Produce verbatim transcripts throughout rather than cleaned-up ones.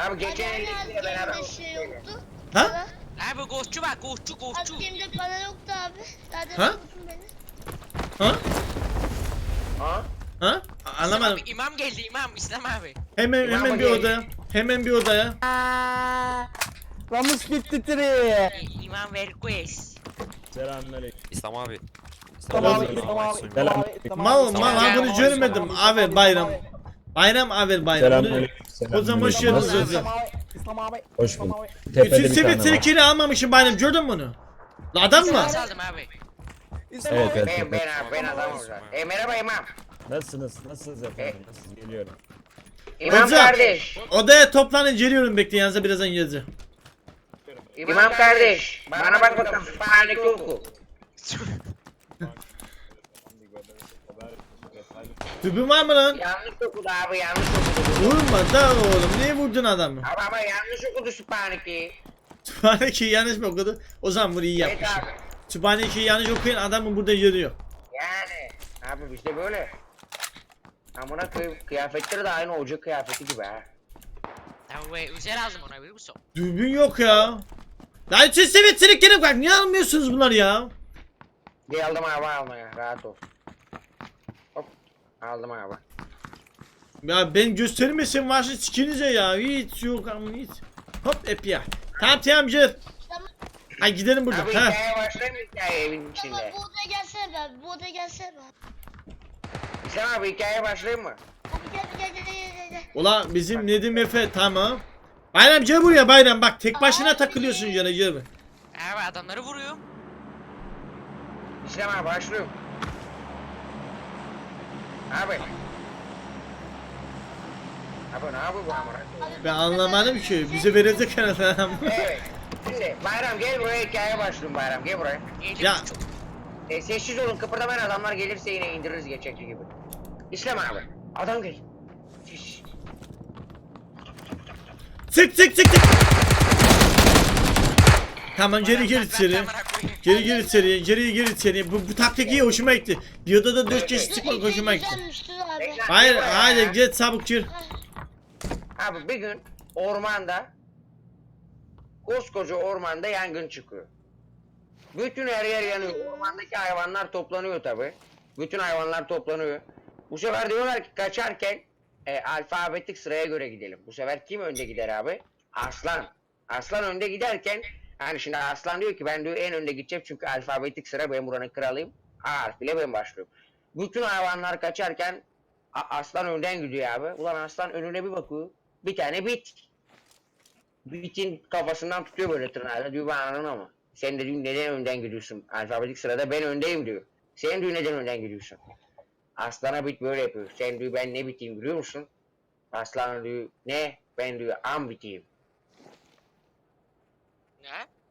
Abi geçen Hani eldekiyle beraber. gemide şey yoktu. Ha? Abi ghostçu bak ghostçu ghostçu. Abi gemide para yoktu abi. Zaten Ha? vurdun beni. Ha? Ha? Ha? İslam Anlamadım. abi imam geldi imam İslam abi. Hemen İmam hemen bir gel. odaya. Hemen bir odaya. Ramus gitti tri. İ- İmam Verquez. Selamünaleyküm. İslam abi. İslam abi, İslam abi, İslam Selam. abi, İslam abi. Mal İslam mal abi, ha bunu İslam görmedim. abi, Abi İslam bayram. abi. Bayram abi bayram. Bunu- Selamünaleyküm. O zaman hoş İslam geldiniz abi, hocam. İslam abi, İslam abi, Hoş İslam bulduk. abi. Tepede Bütün bir tane sivit var. sirkini almamışım bayram. Gördün mü bunu? La adam mı? Nasıl aldım abi? İslam Evet, abi. evet. Ben ben abi ben adam olacağım. E merhaba imam. Nasılsınız? Nasılsınız efendim? Nasılsınız? Geliyorum. İmam Hocam. kardeş. Odaya toplanın geliyorum bekleyin yanınıza birazdan geleceğim. İmam kardeş. Bana bak bakalım. Sübhaneke oku. Tübün var mı lan? Yanlış okudu abi yanlış okudu. Vurma da oğlum. Niye vurdun adamı? Abi ama yanlış okudu Sübhaneke'yi. Sübhaneke'yi yanlış mı okudu? O zaman bunu iyi Evet yapmış. abi. Sübhaneke'yi yanlış okuyan adamı burada görüyor. Yani. Abi bizde böyle. Amına koyayım kıyafetleri de aynı olacak kıyafeti gibi ha. Abi özel aldım ona biliyor musun? Dürbün yok ya. Lan siz sivit sirkini bak. Niye almıyorsunuz bunları ya? Geldim abi almaya rahat ol. Hop aldım abi. Ya ben göstermesin varsa sikinize ya. Hiç yok ama hiç. Hop hep ya. Tamam tamam gel. Tamam. Hadi gidelim buradan. Abi Ha. hikaye başlayayım mı hikaye evin Tamam içinde? bu odaya gelsene be abi. Bu odaya gelsene be abi. İslam abi hikaye başlayayım mı? Abi gel gel gel gel gel, gel. Ulan bizim Nedim Efe tamam. Bayram gel buraya Bayram bak tek başına Abi. takılıyorsun yana gel be. Abi adamları vuruyor. İslam abi başlıyorum. Abi. Abi ne yapıyor bu amına? Abi, Ben anlamadım ki bize verecek herhalde. Evet. Şimdi Bayram gel buraya hikaye başlıyorum Bayram gel buraya. Geldi Ya. çok. E, sessiz olun kıpırdamayın adamlar gelirse yine indiririz geçekli gibi. İslam abi. Adam gel. Şiş. Sık sık sık sık. Tamam geri geri içeri. Geri geri içeri, geri geri içeri. Bu, bu taktik iyi hoşuma gitti. Bir odada dört kişi çıkmak hoşuma gitti. Güzelmiştir abi. Hayır hayır git çabuk gir. Abi bir gün ormanda koskoca ormanda yangın çıkıyor. Bütün her yer yanıyor. Ormandaki hayvanlar toplanıyor tabi. Bütün hayvanlar toplanıyor. Bu sefer diyorlar ki kaçarken e, alfabetik sıraya göre gidelim. Bu sefer kim önde gider abi? Aslan. Aslan önde giderken hani şimdi Aslan diyor ki ben diyor en önde gideceğim çünkü alfabetik sıra ben buranın kralıyım. A harfiyle ben başlıyorum. Bütün hayvanlar kaçarken A- Aslan önden gidiyor abi. Ulan Aslan önüne bir bakıyor. Bir tane bit. Bitin kafasından tutuyor böyle tırnağıyla. Diyor ben ananım ama. Sen de diyor neden önden gidiyorsun? Alfabetik sırada ben öndeyim diyor. Sen diyor neden önden gidiyorsun? Aslan'a bit böyle yapıyor. Sen diyor ben ne biteyim biliyor musun? Aslan diyor ne? Ben diyor am biteyim. Ne?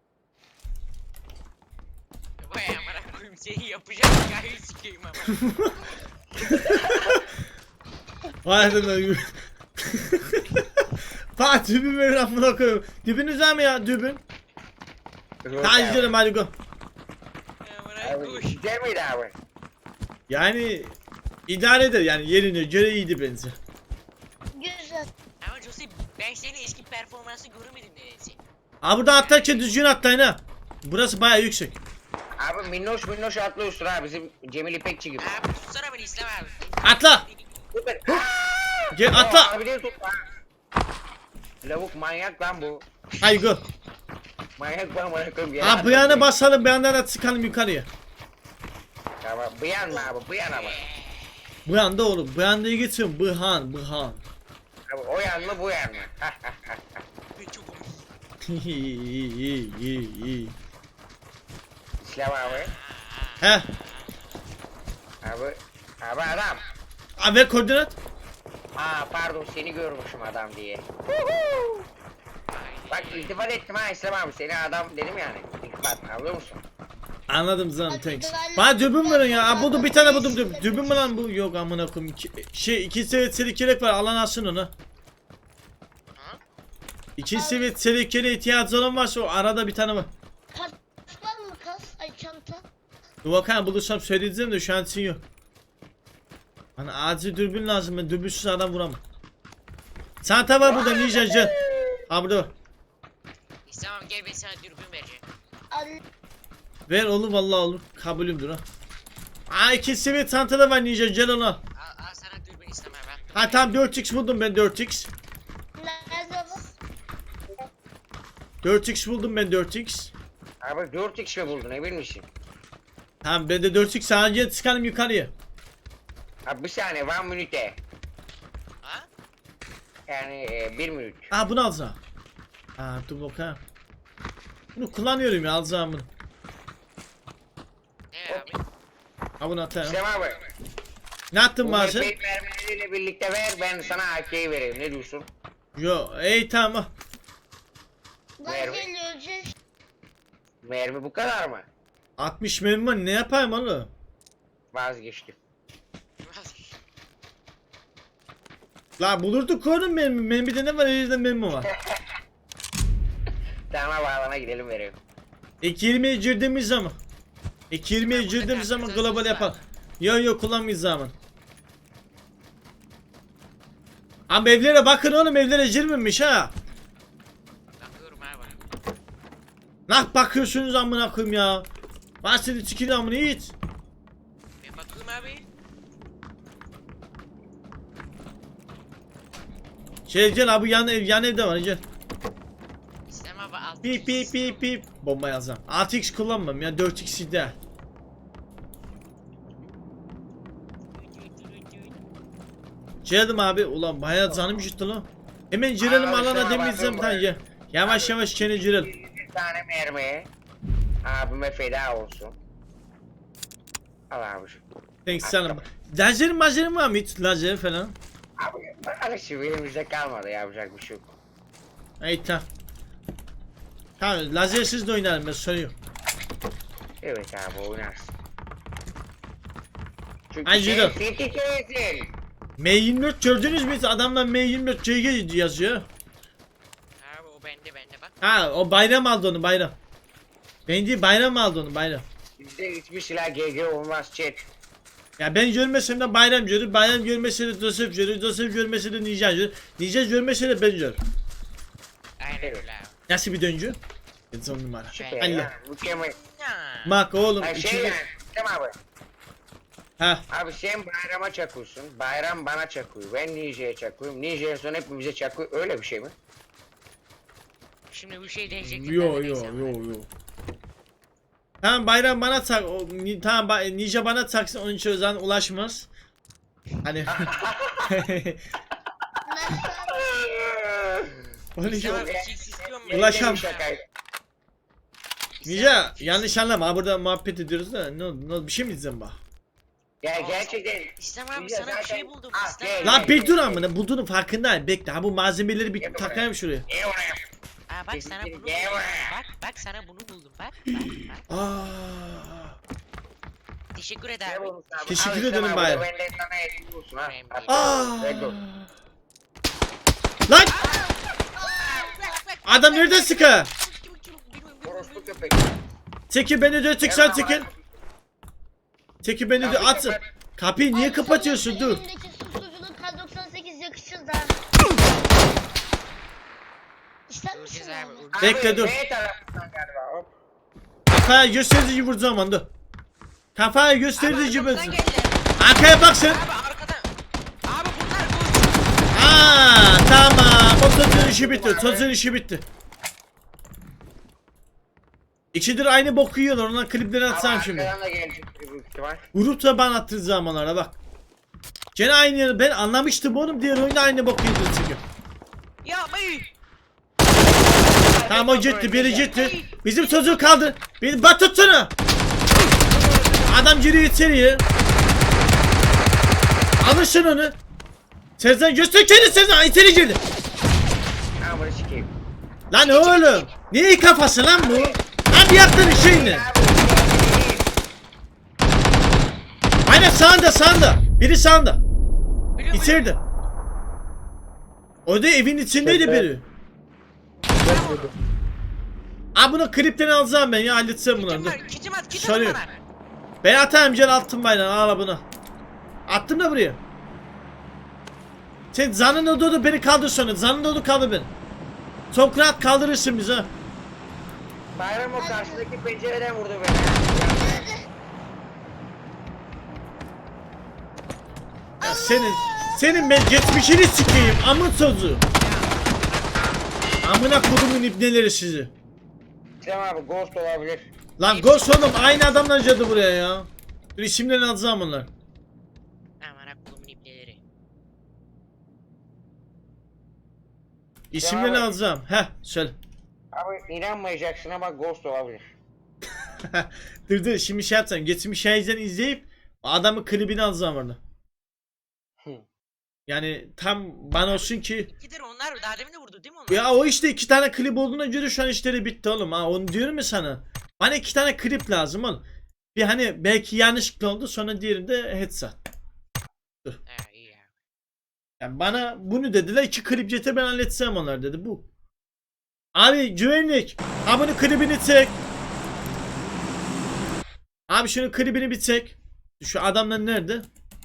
Vay amına koyayım seni yapacağım hikayeyi sikeyim ama. Vay be. Fatih dübün verin amına koyayım. Dübünüz var mı ya dübün? Hadi gidelim hadi go. Amına Abi, koy. güzel miydi abi? Yani idare eder yani yerine göre iyiydi bence. Güzel. Ama Jose ben senin eski performansı görmedim nedense. Aa burada atlarken düzgün atlayın ha. Burası bayağı yüksek. Abi minnoş minnoş atlıyorsun ha bizim Cemil İpekçi gibi. Abi tutsana beni İslam abi. Atla. Süper. Gel Aa, atla. Abi de tut ha. Lavuk manyak lan bu. Hadi go. Manyak bu amına koyayım. yere Aa bu atıyor. yana basalım bir yandan da çıkalım yukarıya. Tamam bu yan mı abi bu yan ama. Bu yanda oğlum. Bu yanda geçiyorum. Bıhan bıhan. Abi o yan mı bu yan mı? Çok İyi iyi iyi iyi. İslam abi. He. Abi. Abi adam. Aa ver koordinat. Aa pardon seni görmüşüm adam diye. Bak iltifat ettim ha İslam abi seni adam dedim yani. İltifat anlıyor musun? Anladım canım thanks. Bana dübün verin ya. Aa buldum bir tane buldum dübün. Dübün mü lan bu? Yok amına koyayım. İki- Şey iki seviye selikelek var. Alan alsın onu. İki seviye selikeleye ihtiyacı olan varsa o arada bir tane var. Kas var mı kas? Ay çanta. Dur bakalım bulursam söyleyeceğim de şu an için yok. Bana acil dürbün lazım ben dürbünsüz adam vuramam. Çanta var burada ninja gel. Ha burada var. İslam abi gel ben sana dürbün vereceğim. Al. Ver oğlum vallahi olur. Kabulümdür ha. Aa iki seviye çantada var Ninja gel onu al. Al, al sana dürbün İslam abi. attım. Ha tamam dört x buldum ben dört x. Nerede bu? dört x buldum ben dört x. Abi dört x mi buldun emin misin? Tamam ben de dört x sadece çıkalım yukarıya. Abi bir saniye one minute. Ha? Yani e, bir minut. Aa bunu alacağım. Aa dur bakalım. Bunu kullanıyorum ya alacağım bunu. Ne abi? Ha bunu atayım. İslam abi. Ne attın Bu bazı? epey mermileriyle birlikte ver ben sana A K'yi vereyim ne diyorsun? Yo ey tamam. Lan Merve. geliyor öleceğiz. Mermi bu kadar mı? altmış mermi var ne yapayım oğlum? Vazgeçtim. La bulurduk oğlum mermi. Mermide ne var elimde mermi var. Tamam bağlana gidelim vereyim. İki yirmiye girdiğimiz zaman. İki yirmiye girdiğimiz zaman global yapalım. Yo yo kullanmayız zaman. Abi evlere bakın oğlum evlere girmemiş ha. Bakıyorum abi. Nah bakıyorsunuz amına koyayım ya. Bahsedi çıkın amına hiç. Ben bakıyorum abi. Şey gel abi yan ev yan evde var gel. İslam abi al. Pip pip pip pip. Bomba yazam. altı x kullanmam ya dört x de. Geldim abi ulan bayağı canım gitti lan. Hemen girelim Abi, alana şuna demeyeceğim bakın tan bak. ya. Yavaş yavaş kene girelim. Bir tane mermi. Abime feda olsun. Al abi şu. Thanks canım. Lazerin mazerin var mı hiç lazer falan? Abi alışım elimizde kalmadı yapacak bir şey yok. Ey tamam. Tamam lazersiz de oynarım ben soruyorum. Evet abi oynarsın. Çünkü Ay, sen Cido. City'desin. M yirmi dört gördünüz mü hiç? Adamlar M yirmi dört C G yazıyor. Abi o bende bende bak. Ha o bayram aldı onu bayram. Ben değil bayram aldı onu bayram. Bizde hiçbir silah G G olmaz chat. Ya ben görmesem de bayram görür, bayram görmese de Joseph görür, Joseph görmese de Ninja görür, Ninja görmese de ben görür. Aynen Evet. öyle abi. Nasıl bir döncü? Ben son numara. Süper Allah. ya. Mükemmel. Ya. Bak oğlum Ay şey içinde... yani. Tamam abi. Ha. Abi sen bayrama çakıyorsun. Bayram bana çakıyor. Ben Ninja'ya çakıyorum. Ninja'ya sonra hepimize çakıyor. Öyle bir şey mi? Şimdi bu şey değişecek. Yo yo yo yo. Tamam bayram bana tak, o, ni, tamam ba, Ninja bana taksın onun için özen ulaşmaz. Hani... Nasıl? Onun için... İslam abi six istiyor mu? Ulaşam. Şakaydı. Ninja yanlış anlama ha, burada muhabbet ediyoruz da ne oldu, ne oldu bir şey mi diyeceğim bak. Ya gerçekten. İslam abi Ninja sana bir zaten- şey buldum. Ah, İslam gel. abi. Lan bir dur amına bulduğunun farkındayım bekle ha bu malzemeleri bir Gel buraya. takayım şuraya. İyi oraya. Aa bak sana bunu buldum. Gel buraya. Bak bak sana bunu buldum. Bak bak bak. Aa. Teşekkür Ne ederim. olmuş abi? Teşekkür Al işte ederim abi, bayram. Benden sana hediye olsun ha. Önemli Hadi. Aa. Red Bull. Lan adam nereden sıkı? Orospu köpek. Çekil beni de çek sen çekil. Çekil beni de at. Kapıyı niye kapatıyorsun dur. Elimdeki susturuculuk K doksan sekiz yakışır da. İster misin Göreceğiz abi. onu? Abi, Bekle, dur. B tarafından galiba. Hop. Kafaya gösterici vuracağım anda. Kafaya Abi gösterici arkamdan vuracağım. geldi. Arkaya bak sen. Abi arkadan. Abi bunlar bu. Aa tamam. O çocuğun işi bitti. Çocuğun işi bitti. İkidir aynı boku yiyorlar. Ondan klipleri atsam Ama şimdi. arkadan da gelecek büyük ihtimal. Vurup da ben attığım zamanlara bak. Gene aynı yeri. Ben anlamıştım oğlum. Diğer oyunda aynı boku yedi çünkü. Ya bey. Tamam o gitti. Biri gitti. Bizim çocuğu kaldı. Beni bat tutsana. Adam giriyor içeriye. Alışın onu. Sezen göster kendini Sezen. İçeri girdi. Ha bunu sikeyim. Lan oğlum. Neyi kafası lan bu? Lan bir yaptığın şey ne? Aynen sağında sağında. Biri sağında. Biliyorum, İçeride. O da evin içindeydi Şaka. biri. Aa bunu klipten alacağım ben ya halledeceğim bunu. Kitim Dur. var. Kitim at. Kitim Sarıyor. bana. Ben atayım gel attım bayrağı al bunu. Attım da buraya. Sen zanın odu beni kaldır sonra. Zanın odu kaldır beni. Çok rahat kaldırırsın bizi ha. Bayram o karşıdaki pencereden vurdu beni. Ya senin senin ben geçmişini sikeyim amın sözü. Amına kodumun ibneleri sizi. İslam abi ghost olabilir. Lan Ghost oğlum aynı adamlar cadı buraya ya. Dur isimlerini alacağım bunlar. Amına kolumun ipleri. İsimlerini abi. alacağım. Heh söyle. Abi inanmayacaksın ama ghost olabilir. Dur dur şimdi şey yapacağım. Geçmiş şeyden izleyip adamın klibini alacağım orada. Hı. Yani tam bana olsun ki İkidir onlar daha demin de vurdu değil mi onlar? ya o işte iki tane klip olduğuna göre şu an işleri bitti oğlum ha onu diyorum ya sana. Bana iki tane klip lazım oğlum. Bir hani belki yanlışlıkla oldu sonra diğerinde headshot. He iyi ya. Yani bana bunu dediler iki klip getir ben halletsem onlar dedi bu. Abi güvenlik. Abi bunun klibini çek. Abi şunun klibini bir çek. Şu adamlar nerede?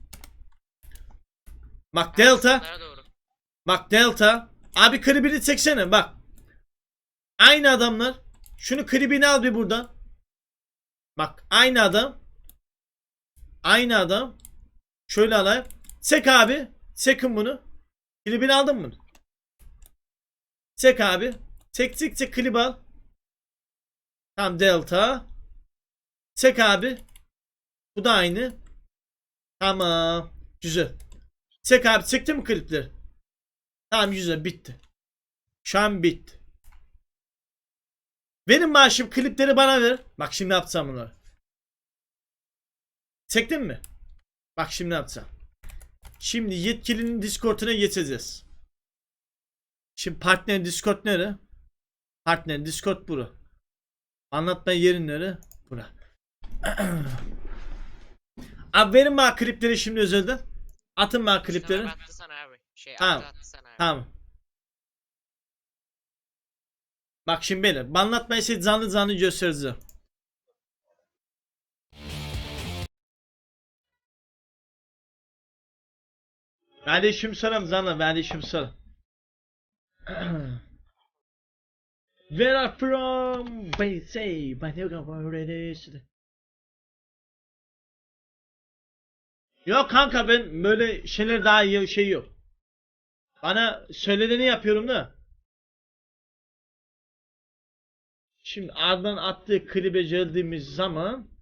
Bak Delta. Onlara doğru. Bak Delta. Abi klibini çeksene bak. Aynı adamlar. Şunu klibini al bir buradan. Bak aynı adam. Aynı adam. Şöyle alayım. Çek abi. Çekin bunu. Klibini aldın mı? Çek abi. Çek çek çek klip al. Tamam Delta. Çek abi. Bu da aynı. Tamam. Güzel. Çek abi çekti mi klipleri? Tamam güzel bitti. Şu an bitti. Benim maaşım klipleri bana ver. Bak şimdi yapacağım bunları. Çektin mi? Bak şimdi yapacağım. Şimdi yetkilinin Discord'una geçeceğiz. Şimdi partner Discord nere? Partner Discord bura. Anlatma yerin nere? Bura. Abi verin bana klipleri şimdi özelden. Atın bana klipleri. Sana attı sana abi. Şey Tamam. attı attı sana abi. Tamam. Bak şimdi beyler. Banlatmayı size canlı canlı göstereceğim. Kardeşim selam canlı. Kardeşim selam. Where are from? They say, but you got already. Yok kanka ben böyle şeyler daha iyi şey yok. Bana söylediğini yapıyorum da. Şimdi ardından attığı klibe geldiğimiz zaman